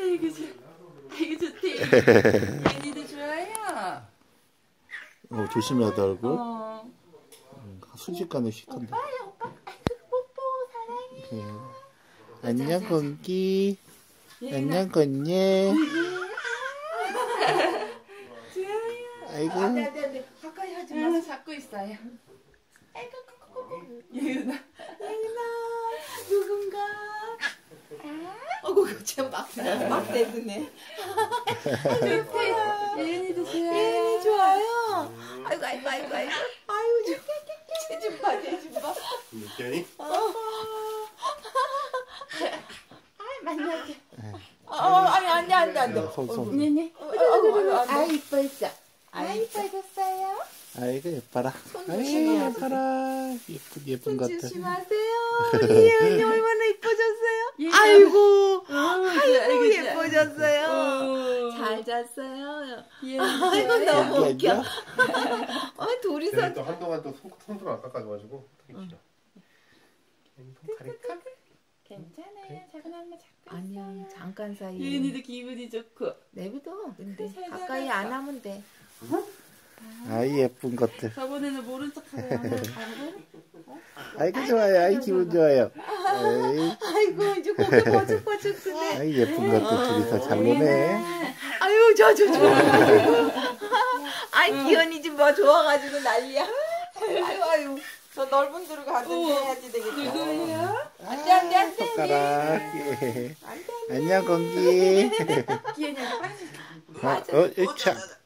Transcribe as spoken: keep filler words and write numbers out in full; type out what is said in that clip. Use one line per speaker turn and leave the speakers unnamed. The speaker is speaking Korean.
아이고 좋, 아이고 좋대. 예은이도 좋아요.
어, 조심하다 얼굴.
어.
음, 순식간에 식한다.
오빠야 오빠. 아이고 뽀뽀 사랑해요.
예. 안녕 공기.
예은아.
안녕 건예.
좋아요.
아이고.
안돼 안돼 안돼. 가까이 하지 마. 잡고 있어요. 아이고 꼬꼬꼬. 예은아. 예은아 누군가. 어구 쟤 막, 막 대드네. 좋대. 예은이도 좋아요. 예은이 좋아요. 아이고 아이고 아이고 아이고. 아이고 좀. 쟤좀 봐, 쟤좀 봐.
미끼니?
아 만나게.
어, 아니 안돼 안돼 안돼.
손, 손.
네네. 아 이뻐했어. 아 이뻐졌어요.
아이고 예뻐라. 아이고
조심해야지.
예뻐라. 예쁜 예쁜 것 같아.
조심하세요.
우리 예은이 얼마나 이뻐졌어요?
예.
아이고
아이고
예뻐졌어요.
잘 잤어요. 예.
아이고 너무
애기
웃겨.
아니야?
어 둘이서
또 한동안 또 손, 손좀 안 깎아가지고 되게 길어. 손 가릴까?
괜찮아요. 작은 엄마 잡고
아니야
있어요.
잠깐 사이에
예은이도 기분이 좋고.
내비둬. 근데
잘
가까이
자랐어.
안 하면 돼.
아이 예쁜 것들.
저번에는 모른 척하고 가고.
아이고 좋아요. 아이 기분 좋아요. 아이,
아이고 이제 고개 버죽버죽 쓰네.
아이 예쁜 것들 둘이서 잘 노네.
아유 저 저 좋아가지고. 아이 기현이 지금 뭐 좋아가지고 난리야. 아유 아유 저 넓은 데로 가든지 해야지 되겠다.
누구예요?
안돼 안돼 안돼.
손가락. 예. 안녕 공기.
기현이한테 빠져.
어, 어, 으차.